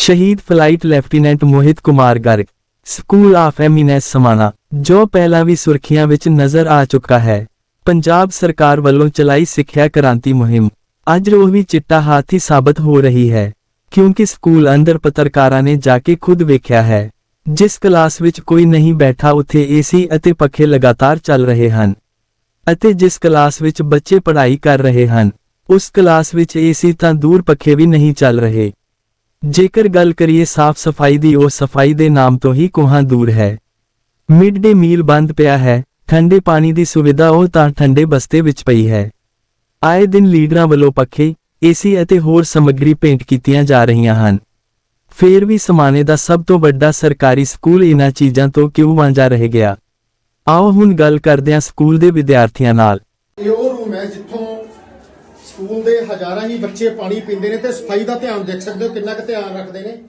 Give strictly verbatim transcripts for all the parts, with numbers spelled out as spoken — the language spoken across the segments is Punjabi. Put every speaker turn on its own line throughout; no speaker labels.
शहीद flight lieutenant Mohit Kumar Garg school of eminence Samana ਜੋ ਪਹਿਲਾਂ ਵੀ ਸੁਰਖੀਆਂ ਵਿੱਚ ਨਜ਼ਰ ਆ ਚੁੱਕਾ ਹੈ। ਪੰਜਾਬ ਸਰਕਾਰ ਵੱਲੋਂ ਚਲਾਈ ਸਿੱਖਿਆ ਕ੍ਰਾਂਤੀ ਮੁਹਿੰਮ ਅੱਜ ਉਹ ਵੀ ਚਿੱਟਾ ਹਾਥੀ ਸਾਬਤ ਹੋ ਰਹੀ ਹੈ, ਕਿਉਂਕਿ ਸਕੂਲ ਅੰਦਰ ਪੱਤਰਕਾਰਾਂ ਨੇ ਜਾ ਕੇ ਖੁਦ ਵੇਖਿਆ ਹੈ। ਜਿਸ ਕਲਾਸ ਵਿੱਚ ਕੋਈ ਨਹੀਂ ਬੈਠਾ ਉੱਥੇ ਏਸੀ ਅਤੇ ਪੱਖੇ ਲਗਾਤਾਰ ਚੱਲ ਰਹੇ ਹਨ, ਅਤੇ ਜਿਸ ਕਲਾਸ ਵਿੱਚ ਬੱਚੇ ਪੜ੍ਹਾਈ ਕਰ ਰਹੇ ਹਨ ਉਸ ਕਲਾਸ ਵਿੱਚ ਏਸੀ ਤਾਂ ਦੂਰ ਪੱਖੇ ਵੀ ਨਹੀਂ ਚੱਲ ਰਹੇ। ਜੇਕਰ ਗੱਲ ਕਰੀਏ ਸਾਫ਼ ਸਫਾਈ ਦੀ, ਉਹ ਸਫਾਈ ਦੇ ਨਾਮ ਤੋਂ ਹੀ ਕੋਹਾਂ ਦੂਰ ਹੈ। ਮਿਡ ਡੇ ਮੀਲ ਬੰਦ ਪਿਆ ਹੈ, ਠੰਡੇ ਪਾਣੀ ਦੀ ਸੁਵਿਧਾ ਉਹ ਤਾਂ ਠੰਡੇ ਬਸਤੇ ਵਿੱਚ ਪਈ ਹੈ। ਆਏ ਦਿਨ ਲੀਡਰਾਂ ਵੱਲੋਂ ਪੱਖੇ, ਏਸੀ ਅਤੇ ਹੋਰ ਸਮੱਗਰੀ ਭੇਂਟ ਕੀਤੀਆਂ ਜਾ ਰਹੀਆਂ ਹਨ। ਫੇਰ ਵੀ ਸਮਾਣੇ ਦਾ ਸਭ ਤੋਂ ਵੱਡਾ ਸਰਕਾਰੀ ਸਕੂਲ ਇਹਨਾਂ ਚੀਜ਼ਾਂ ਤੋਂ ਕਿਉਂ ਵਾਂਝਾ ਰਹਿ ਗਿਆ? ਆਓ ਹੁਣ ਗੱਲ ਕਰਦੇ ਹਾਂ ਸਕੂਲ ਦੇ ਵਿਦਿਆਰਥੀਆਂ ਨਾਲ।
ਇਹ ਉਹ ਰੂਮ ਹੈ ਜਿੱਥੋਂ ਸਕੂਲ ਦੇ ਹਜ਼ਾਰਾਂ ਹੀ ਬੱਚੇ ਪਾਣੀ ਪੀਂਦੇ ਨੇ ਤੇ ਸਫਾਈ ਦਾ ਧਿਆਨ ਦੇਖ ਸਕਦੇ ਹੋ ਕਿੰਨਾ ਕੁ ਧਿਆਨ ਰੱਖਦੇ ਨੇ।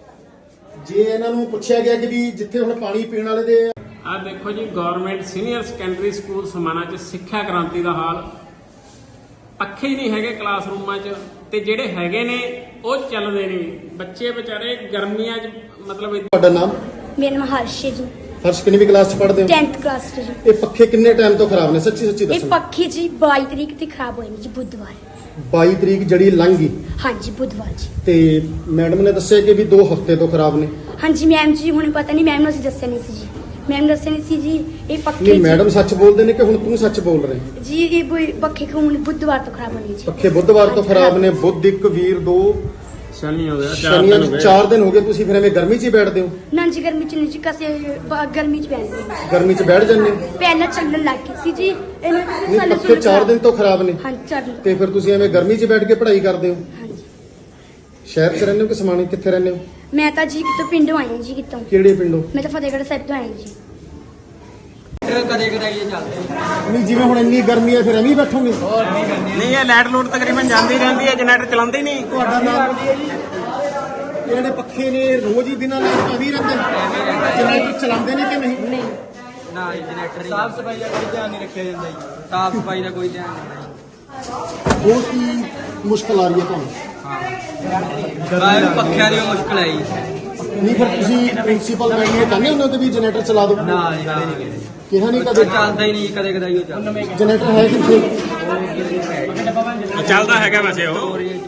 ਜੇ ਇਹਨਾਂ ਨੂੰ ਪੁੱਛਿਆ ਗਿਆ ਕਿ ਵੀ ਜਿੱਥੇ ਹੁਣ ਪਾਣੀ ਪੀਣ ਵਾਲੇ ਦੇ
ਆ ਦੇਖੋ ਜੀ, government senior secondary school Samana 'ਚ ਸਿੱਖਿਆ ਕ੍ਰਾਂਤੀ ਦਾ ਹਾਲ। ਪੱਖੇ ਹੀ ਨਹੀਂ ਹੈਗੇ ਕਲਾਸਰੂਮਾਂ 'ਚ, ਤੇ ਜਿਹੜੇ ਹੈਗੇ ਨੇ ਉਹ ਚੱਲਦੇ ਨਹੀਂ। ਬੱਚੇ ਵਿਚਾਰੇ ਗਰਮੀਆਂ 'ਚ ਮਤਲਬ।
ਤੁਹਾਡਾ ਨਾਮ?
ਮੇਰਾ ਨਾਮ ਹਰਸ਼ ਹੈ ਜੀ।
ਹਰਸ਼ ਕਿੰਨੀ ਕਲਾਸ 'ਚ ਪੜ੍ਹਦੇ ਹੋ?
tenth ਕਲਾਸ 'ਚ ਜੀ।
ਇਹ ਪੱਖੇ ਕਿੰਨੇ ਟਾਈਮ ਤੋਂ ਖਰਾਬ ਨੇ? ਸੱਚੀ ਸੱਚੀ
ਇਹ
ਦੱਸੋ।
ਪੱਖੇ ਜੀ ਬਾਈ ਤਰੀਕ ਤੇ ਖਰਾਬ ਹੋਏ ਨੇ ਜੀ, ਬੁੱਧਵਾਰ।
ਬਾਈ ਤਰੀਕ ਜਿਹੜੀ ਲੰਘ ਗਈ
ਹਾਂਜੀ ਬੁੱਧਵਾਰ ਜੀ।
ਤੇ ਮੈਡਮ ਨੇ ਦੱਸਿਆ ਕਿ ਵੀ ਦੋ ਹਫ਼ਤੇ ਤੋਂ ਖਰਾਬ ਨੇ।
ਹਾਂਜੀ ਮੈਮ ਜੀ, ਹੁਣ ਪਤਾ ਨਹੀਂ ਮੈਮ ਨੂੰ ਅਸੀਂ ਦੱਸਿਆ ਨਹੀਂ ਸੀ ਜੀ। ਮੈਮ ਦੱਸਿਆ ਨਹੀਂ ਸੀ ਜੀ ਇਹ ਪੱਖੇ
ਨਹੀਂ,
ਜੀ-
ਮੈਡਮ ਸੱਚ ਬੋਲਦੇ ਨੇ ਕਿ ਹੁਣ ਤੂੰ ਸੱਚ ਬੋਲ ਰਹੇ?
ਜੀ ਇਹ ਬੁ- ਪੱਖੇ ਹੁਣ ਬੁੱਧਵਾਰ ਤੋਂ ਖਰਾਬ ਹੋਣੇ ਜੀ।
ਪੱਖੇ ਬੁੱਧਵਾਰ ਤੋਂ ਖਰਾਬ ਨੇ। ਬੁੱਧ ਇੱਕ, ਵੀਰ ਦੋ,
ਸ਼ਨੀ ਹੋ ਗਿਆ,
ਸ਼ਨੀਵਾਰ ਨੂੰ ਚਾਰ ਦਿਨ ਹੋ ਗਏ। ਤੁਸੀਂ ਫਿਰ ਐਵੇਂ ਗਰਮੀ 'ਚ ਹੀ ਬੈਠਦੇ ਹੋ?
ਨਾ ਜੀ ਗਰਮੀ ਚ ਨਹੀਂ ਜੀ, ਕਸੇ ਬ- ਗਰਮੀ ਚ ਪੈਂਦੇ ਨੇ।
ਗਰਮੀ 'ਚ ਬੈਠ ਜਾਂਦੇ ਹੋ?
ਪਹਿਲਾਂ ਚੱਲਣ ਲੱਗ ਗਈ ਸੀ ਜੀ ਇਹਨਾਂ ਦੇ
ਨਹੀਂ,
ਸਾਲੇ
ਪੱਖੇ ਚਾਰ ਦਿਨ ਤੋਂ ਖਰਾਬ ਨੇ
ਹਾਂਜੀ ਚਾਰ ਦਿਨ।
ਤੇ ਫਿਰ ਤੁਸੀਂ ਐਵੇਂ ਗਰਮੀ 'ਚ ਬੈਠ ਕੇ ਪੜ੍ਹਾਈ ਕਰਦੇ ਹੋ?
ਹਾਂਜੀ
ਸ਼ਹਿਰ 'ਚ ਰਹਿੰਦੇ ਹੋ ਕਿ ਸਮਾਣੇ? ਕਿੱਥੇ ਰਹਿੰਦੇ ਹੋ?
ਮੈਂ ਤਾਂ ਜੀ ਕਿਤੋਂ ਪਿੰਡੋਂ ਆਈ ਹਾਂ ਜੀ। ਕਿਤੋਂ?
ਕਿਹੜੇ ਪਿੰਡੋਂ?
ਮੈਂ ਤਾਂ ਫਤਿਹਗੜ੍ਹ ਸਾਹਿਬ ਤੋਂ ਆਈ ਹਾਂ ਜੀ।
ਕਦੇ ਕਦਾਈਏ ਚੱਲਦੇ
ਨਹੀਂ, ਜਿਵੇਂ ਹੁਣ ਇੰਨੀ ਗਰਮੀ ਹੈ ਫਿਰ ਐਵੇਂ ਹੀ ਬੈਠੋਗੇ?
ਨਹੀਂ, ਇਹ ਲਾਈਟ ਲੂਟ ਤਕਰੀਬਨ ਜਾਂਦੀ ਰਹਿੰਦੀ ਹੈ, ਜਨਰੇਟਰ ਚਲਾਉਂਦੇ ਹੀ ਨਹੀਂ।
ਤੁਹਾਡਾ ਨਾਮ? ਇਹ ਜਿਹੜੇ ਪੱਖੇ ਨੇ ਰੋਜ਼ ਹੀ ਬਿਨਾਂ ਲਾਈਟ ਤੋਂ ਐਵੇਂ ਹੀ ਰਹਿੰਦੇ? ਜਨਰੇਟਰ ਚਲਾਉਂਦੇ ਨੇ ਕਿ ਨਹੀਂ?
ਨਹੀਂ ਨਾ ਜੀ, ਜਨਰੇਟਰ ਸਾਫ ਸਫਾਈ ਦਾ ਕੋਈ ਧਿਆਨ ਨਹੀਂ ਰੱਖਿਆ ਜਾਂਦਾ ਜੀ। ਸਾਫ ਸਫਾਈ ਦਾ ਕੋਈ ਧਿਆਨ ਨਹੀਂ।
ਹੋਰ ਕੀ ਮੁਸ਼ਕਲ ਆ ਰਹੀ ਹੈ ਤੁਹਾਨੂੰ?
ਹਾਂ, ਪੱਖਿਆਂ ਦੀ ਮੁਸ਼ਕਲ ਹੈ ਜੀ।
ਨਹੀਂ, ਫਿਰ ਤੁਸੀਂ ਪ੍ਰਿੰਸੀਪਲ ਮੈਡਮ ਨੂੰ ਕਹਿੰਦੇ ਉਹਨਾਂ ਤੇ ਵੀ ਜਨਰੇਟਰ ਚਲਾ ਦਿਓ?
ਨਾ ਜੀ, ਕਦੇ ਨਹੀਂ ਗਏ।
ਕਿਹਾ ਨਹੀਂ ਕਦੇ?
ਚੱਲਦਾ ਹੀ ਨਹੀਂ, ਕਦੇ ਕਦਾਈਓ ਚੱਲਦਾ।
ਜਨਰੇਟਰ ਹੈ ਕਿੱਥੇ?
ਚੱਲਦਾ ਹੈਗਾ ਵੈਸੇ ਉਹ।